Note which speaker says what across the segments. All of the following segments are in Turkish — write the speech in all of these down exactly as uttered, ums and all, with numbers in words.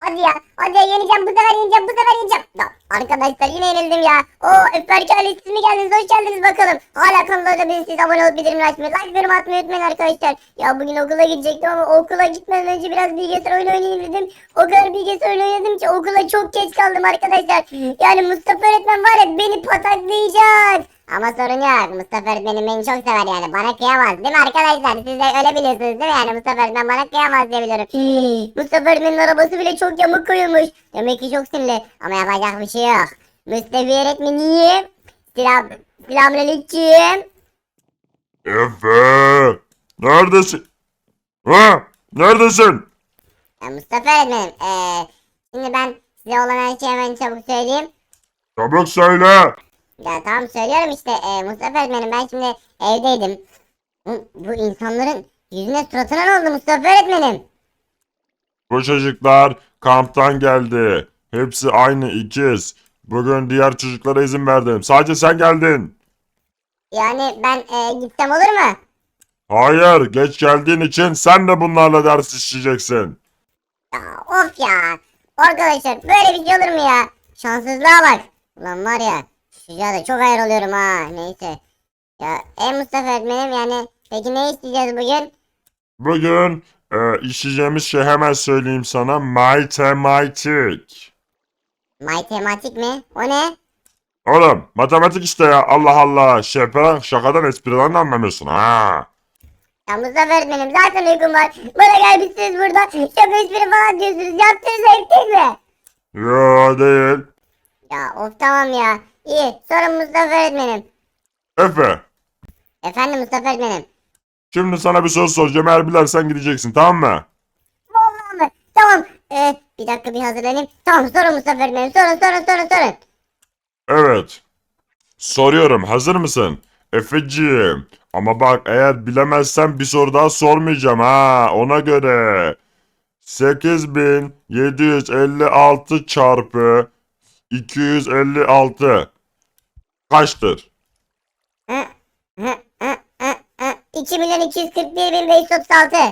Speaker 1: Hadi ya. Hadi ya yeneceğim. Bu sefer yeneceğim. Bu sefer yeneceğim. Ya, arkadaşlar yine yenildim ya. Oo Öfberk ailesi siz mi geldiniz? Hoş geldiniz bakalım. Hala kanala olabilirsiniz. Abone olup bildirimleri açmayı, like yorum atmayı unutmayın arkadaşlar. Ya bugün okula gidecektim ama okula gitmeden önce biraz bilgisayar oyunu oynayayım dedim. O kadar bilgisayar oyunu oynadım ki okula çok geç kaldım arkadaşlar. Yani Mustafa öğretmen var ya beni pataklayacak. Ama sorun yok. Mustafa öğretmenim beni çok sever yani. Bana kıyamaz değil mi arkadaşlar? Siz de öyle biliyorsunuz değil mi? Yani Mustafa öğretmen bana kıyamaz diye biliyorum. Mustafa öğretmenin arabası bile çok yamuk koyulmuş. Demek ki çok sinirli. Ama yapacak bir şey yok. Mustafa öğretmenim. Selam. Selamünaleyküm.
Speaker 2: Efe! Neredesin? Ha? Neredesin?
Speaker 1: Ya Mustafa öğretmenim. Eee şimdi ben size olan her şeyi hemen çabuk söyleyeyim.
Speaker 2: Çabuk söyle.
Speaker 1: Ya tamam söylüyorum işte. Eee Mustafa öğretmenim ben şimdi evdeydim. Bu, bu insanların yüzüne suratına ne oldu Mustafa öğretmenim?
Speaker 2: Bu çocuklar kamptan geldi. Hepsi aynı ikiz. Bugün diğer çocuklara izin verdim. Sadece sen geldin.
Speaker 1: Yani ben eee, gitsem olur mu?
Speaker 2: Hayır, geç geldiğin için sen de bunlarla ders işleyeceksin.
Speaker 1: Ya of ya. Arkadaşlar böyle bir şey olur mu ya? Şanssızlığa bak. Ulan var ya. Şu da çok hayır oluyorum ha. Neyse. Ya e Mustafa öğretmenim yani. Peki ne isteyeceğiz bugün?
Speaker 2: Bugün e, işleyeceğimiz şey hemen söyleyeyim sana. Matematik.
Speaker 1: Matematik mi? O ne?
Speaker 2: Oğlum matematik işte ya. Allah Allah. Şaka, şakadan espriden de anlamıyorsun ha.
Speaker 1: Ya Mustafa öğretmenim zaten uykum var. Bana gelmişsiniz burada. Şaka espri falan diyorsunuz. Yaptığınız ayıp değil mi?
Speaker 2: Yo değil.
Speaker 1: Ya of tamam ya. İyi sorun Mustafa öğretmenim.
Speaker 2: Efe.
Speaker 1: Efendim Mustafa öğretmenim.
Speaker 2: Şimdi sana bir soru soracağım. Eğer bilersen gideceksin, tamam mı?
Speaker 1: Vallahi mı? Tamam. Ee, bir dakika bir hazırlanayım. Tamam sorun Mustafa öğretmenim. Sorun sorun sorun sorun.
Speaker 2: Evet. Soruyorum. Hazır mısın? Efeciğim. Ama bak, eğer bilemezsen bir soru daha sormayacağım ha. Ona göre. sekiz bin yedi yüz elli altı çarpı iki yüz elli altı kaçtır?
Speaker 1: Hı, hı, hı, hı, hı. iki milyon iki yüz kırk bir bin beş yüz otuz altı.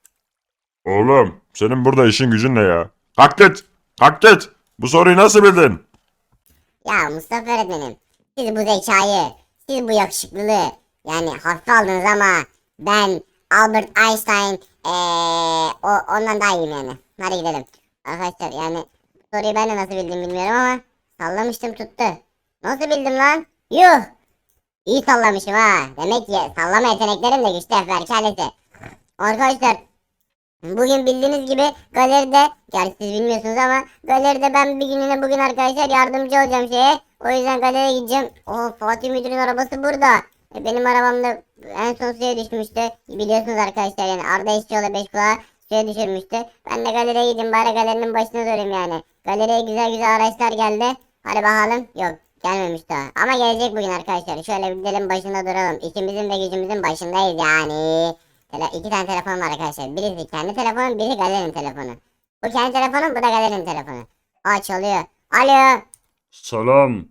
Speaker 2: Oğlum, senin burada işin gücün ne ya? Kalk git. Kalk git. Bu soruyu nasıl bildin?
Speaker 1: Ya Mustafa öğretmenim. Siz bu zekayı, siz bu yakışıklılığı yani hafife aldınız ama ben Albert Einstein ee, o, ondan daha iyiyim yani. Hadi gidelim. Arkadaşlar yani bu soruyu ben de nasıl bildim bilmiyorum ama sallamıştım tuttu. Nasıl bildim lan? Yuh! İyi sallamışım ha. Demek ki sallama yeteneklerim de güçlü Efber kellesi. Arkadaşlar bugün bildiğiniz gibi galeride, gerçi siz bilmiyorsunuz ama galeride ben bir gününe bugün arkadaşlar yardımcı olacağım şeye. O yüzden galeriye gideceğim. Oh Fatih Müdür'ün arabası burada. E, benim arabam da en son suya düşmüştü. Biliyorsunuz arkadaşlar yani Arda İşçioğlu beş kulağı suya düşürmüştü. Ben de galeriye gideyim bari galerinin başına durayım yani. Galeriye güzel güzel araçlar geldi. Hadi bakalım. Yok gelmemiş daha. Ama gelecek bugün arkadaşlar. Şöyle bir gidelim başında duralım. İşimizin ve gücümüzün başındayız yani. Tele iki tane telefon var arkadaşlar. Birisi kendi telefonu, biri galerinin telefonu. Bu kendi telefonu, bu da galerinin telefonu. Aa çalıyor. Alo.
Speaker 3: Selam.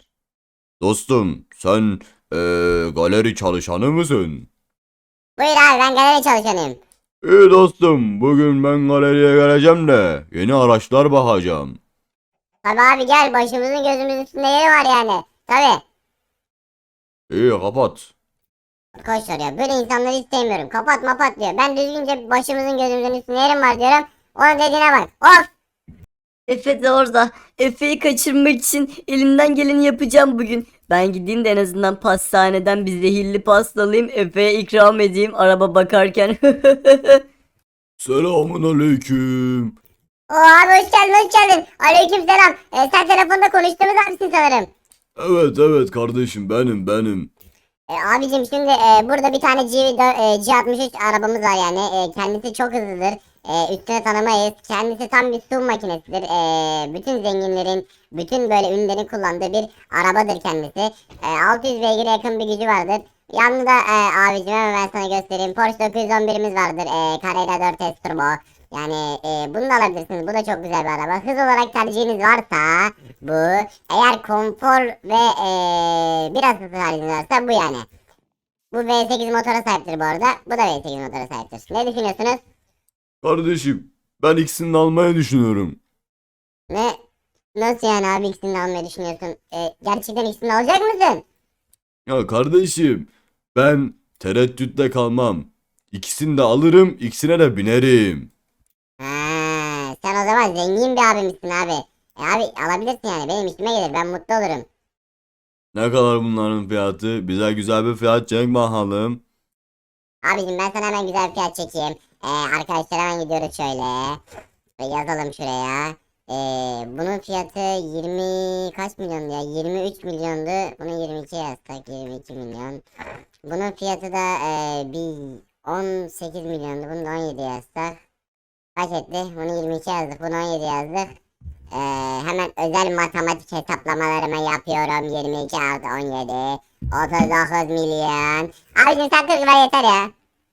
Speaker 3: Dostum, sen eee, galeri çalışanı mısın?
Speaker 1: Buyur abi ben galeri çalışanıyım.
Speaker 3: İyi dostum, bugün ben galeriye geleceğim de yeni araçlar bakacağım.
Speaker 1: Tabi abi gel başımızın gözümüzün üstünde yeri var yani. Tabi.
Speaker 3: İyi kapat.
Speaker 1: Arkadaşlar ya böyle insanları istemiyorum. Kapat mapat diyor. Ben düzgünce başımızın gözümüzün üstünde yerim var diyorum. Onun dediğine bak. Of.
Speaker 4: Efe de orada. Efe'yi kaçırmak için elimden geleni yapacağım bugün. Ben gideyim de en azından pastaneden bir zehirli pasta alayım. Efe'ye ikram edeyim araba bakarken.
Speaker 3: Selamun aleyküm.
Speaker 1: Oo abi hoş geldin hoş geldin. Aleyküm selam. Ee, sen telefonda konuştuğumuz abisin sanırım.
Speaker 3: Evet evet kardeşim, benim benim.
Speaker 1: E, abicim şimdi e, burada bir tane G, e, G altmış üç arabamız var yani. E, kendisi çok hızlıdır. E, üstüne tanımayız. Kendisi tam bir su makinesidir. E, bütün zenginlerin, bütün böyle ünlülerin kullandığı bir arabadır kendisi. E, altı yüz beygire yakın bir gücü vardır. Yanında e, abicim hemen ben sana göstereyim. Porsche dokuz yüz on birimiz vardır. E, Carrera dört S Turbo. Yani e, bunu da alabilirsiniz. Bu da çok güzel bir araba. Hız olarak tercihiniz varsa bu. Eğer konfor ve e, biraz hız tercihiniz varsa bu yani. Bu V sekiz motora sahiptir bu arada. Bu da V sekiz motora sahiptir. Ne düşünüyorsunuz?
Speaker 3: Kardeşim, ben ikisini de almayı düşünüyorum.
Speaker 1: Ne? Nasıl yani abi ikisini de almayı düşünüyorsun? E, gerçekten ikisini de alacak mısın?
Speaker 3: Ya kardeşim, ben tereddütte kalmam. İkisini de alırım, ikisine de binerim.
Speaker 1: Ha, sen o zaman zengin bir abimsin abi. E abi alabilirsin yani benim işime gelir ben mutlu olurum.
Speaker 3: Ne kadar bunların fiyatı? Bize güzel bir fiyat çek bakalım.
Speaker 1: Abicim ben sana hemen güzel bir fiyat çekeyim. Ee, arkadaşlar hemen gidiyoruz şöyle. Ve yazalım şuraya. Ee, bunun fiyatı yirmi kaç milyondu ya? yirmi üç milyondu. Bunu yirmi iki yazsak yirmi iki milyon. Bunun fiyatı da ee, bir on sekiz milyondu. Bunu da on yedi yazsak. Kaç etti? Bunu yirmi iki yazdık. Bunu on yedi yazdık. Ee, hemen özel matematik hesaplamalarımı yapıyorum. yirmi iki artı on yedi. otuz dokuz milyon. Abicim sen kırk ver yeter ya.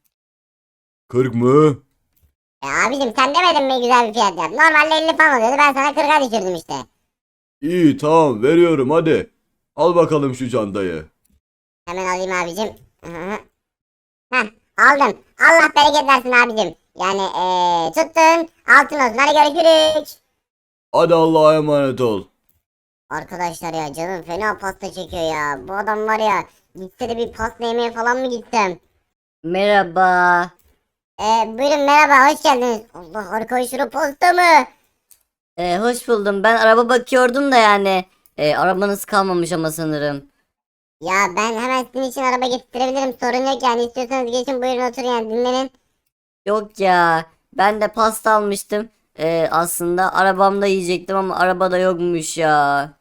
Speaker 3: kırk mı?
Speaker 1: E abicim sen demedin mi güzel bir fiyat yap. Normalde elli falan oluyordu ben sana kırka düşürdüm işte.
Speaker 3: İyi, tamam, veriyorum, hadi. Al bakalım şu çantayı.
Speaker 1: Hemen alayım abicim. Hı hı. Heh aldım. Allah bereket versin abicim. Yani eee tuttun altın olsun hadi görüşürüz.
Speaker 3: Hadi Allah'a emanet ol.
Speaker 1: Arkadaşlar ya canım fena pasta çekiyor ya. Bu adam var ya gitse de bir pasta yemeye falan mı gitsem?
Speaker 4: Merhaba.
Speaker 1: Eee buyurun merhaba hoş geldiniz. Allah arkadaşlar pasta mı?
Speaker 4: Ee, hoş buldum. Ben araba bakıyordum da yani. Ee, arabanız kalmamış ama sanırım.
Speaker 1: Ya ben hemen sizin için araba getirebilirim sorun yok yani istiyorsanız geçin buyurun oturun yani dinlenin.
Speaker 4: Yok ya. Ben de pasta almıştım. Ee, aslında arabamda yiyecektim ama arabada yokmuş ya.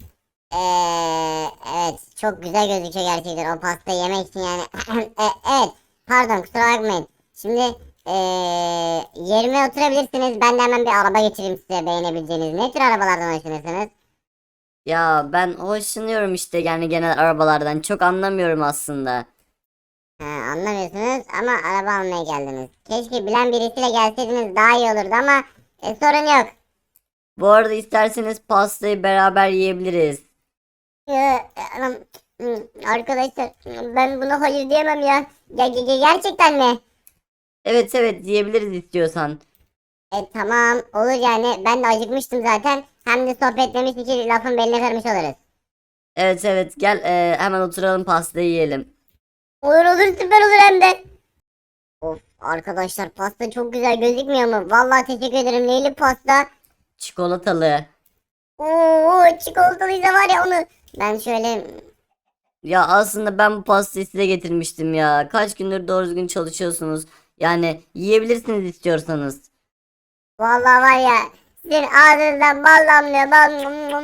Speaker 1: Ee, evet çok güzel gözüküyor gerçekten o pastayı yemek için yani. E, evet pardon kusura bakmayın. Şimdi ee, yerime oturabilirsiniz. Ben de hemen bir araba getireyim size beğenebileceğiniz. Ne tür arabalardan hoşlanırsınız?
Speaker 4: Ya ben hoşlanıyorum işte yani genel arabalardan. Çok anlamıyorum aslında.
Speaker 1: Ha, anlamıyorsunuz ama araba almaya geldiniz. Keşke bilen birisiyle gelseydiniz daha iyi olurdu ama e, sorun yok.
Speaker 4: Bu arada isterseniz pastayı beraber yiyebiliriz.
Speaker 1: Ya, e, anam, hmm, arkadaşlar ben buna hayır diyemem ya. Ge- ge- ge- gerçekten mi?
Speaker 4: Evet evet yiyebiliriz istiyorsan.
Speaker 1: E tamam olur yani ben de acıkmıştım zaten. Hem de sohbetlemiş için lafın beline kırmış oluruz.
Speaker 4: Evet evet gel e, hemen oturalım pastayı yiyelim.
Speaker 1: Olur olur süper olur hem de. Of arkadaşlar pasta çok güzel gözükmüyor mu? Vallahi teşekkür ederim neyli pasta?
Speaker 4: Çikolatalı.
Speaker 1: Oo çikolatalıysa var ya onu. Ben şöyle
Speaker 4: Ya aslında ben bu pastayı size getirmiştim ya. Kaç gündür doğru düzgün çalışıyorsunuz. Yani yiyebilirsiniz istiyorsanız.
Speaker 1: vallahi var ya sizin ağzınızdan bal damlıyor bal.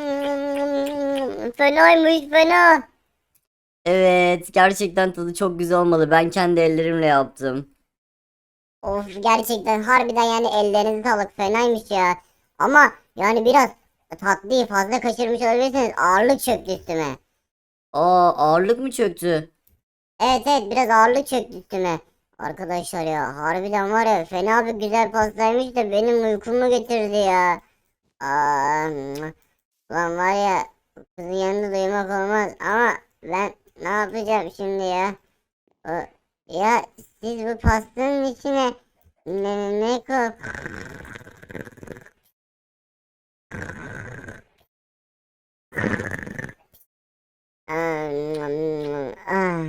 Speaker 1: Fenaymış fena.
Speaker 4: Evet gerçekten tadı çok güzel olmalı. Ben kendi ellerimle yaptım.
Speaker 1: Of gerçekten harbiden yani ellerinize sağlık fenaymış ya. Ama yani biraz tatlıyı fazla kaçırmış olabilirsiniz ağırlık çöktü üstüme.
Speaker 4: Aa ağırlık mı çöktü?
Speaker 1: Evet evet biraz ağırlık çöktü üstüme. Arkadaşlar ya harbiden var ya fena bir güzel pastaymış da benim uykumu getirdi ya. Aa, lan var ya kızın yanında duymak olmaz ama ben ne yapacağım şimdi ya? O, ya siz bu pastanın içine ne, ne koy... Ah.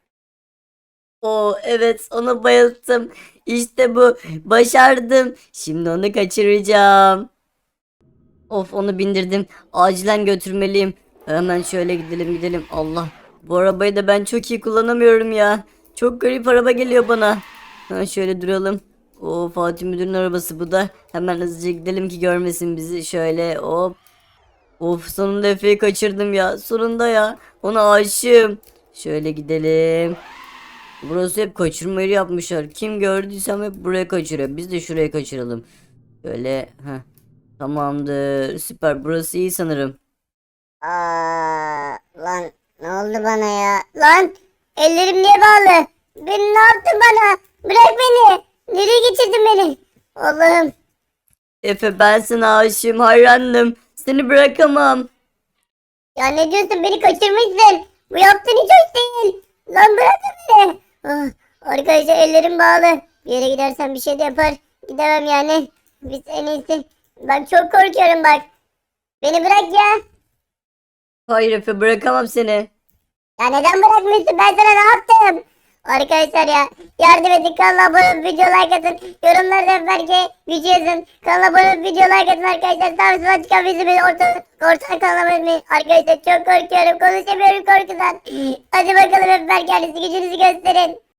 Speaker 4: Oo evet onu bayılttım. İşte bu başardım. Şimdi onu kaçıracağım. Of onu bindirdim. Acilen götürmeliyim. Hemen şöyle gidelim gidelim. Allah. Bu arabayı da ben çok iyi kullanamıyorum ya. Çok garip araba geliyor bana. Ha, şöyle duralım. O Fatih Müdür'ün arabası bu da. Hemen hızlıca gidelim ki görmesin bizi. Şöyle hop. Of sonunda Efe'yi kaçırdım ya. Sonunda ya. Ona aşığım. Şöyle gidelim. Burası hep kaçırma yeri yapmışlar. Kim gördüysem hep buraya kaçırıyor. Biz de şuraya kaçıralım. Şöyle. Heh. Tamamdır. Süper. Burası iyi sanırım.
Speaker 1: Aa, lan ne oldu bana ya? Lan ellerim niye bağlı? Beni ne yaptın bana? Bırak beni. Nereye getirdin beni? Allah'ım.
Speaker 4: Efe ben sana aşığım. Hayranım. Seni bırakamam.
Speaker 1: Ya ne diyorsun beni kaçırmışsın. Bu yaptığın hiç hoş değil. Lan bırakın beni. Ah, arkadaşlar ellerim bağlı. Bir yere gidersen bir şey de yapar. Gidemem yani. Biz en iyisi. Ben çok korkuyorum bak. Beni bırak ya.
Speaker 4: Hayır Efe, bırakamam seni.
Speaker 1: Ya neden bırakmıyorsun? Ben sana ne yaptım? Arkadaşlar ya yardım edin, kanala abone olup video like atın. Yorumlarda belki gücü yazın. Kanala abone olup video like atın arkadaşlar. Sağ olsun çıkan bizi beni ortadan ortadan kanala abone olmayı. Arkadaşlar çok korkuyorum. Konuşamıyorum korkudan. Hadi bakalım hep kendinizi gücünüzü gösterin.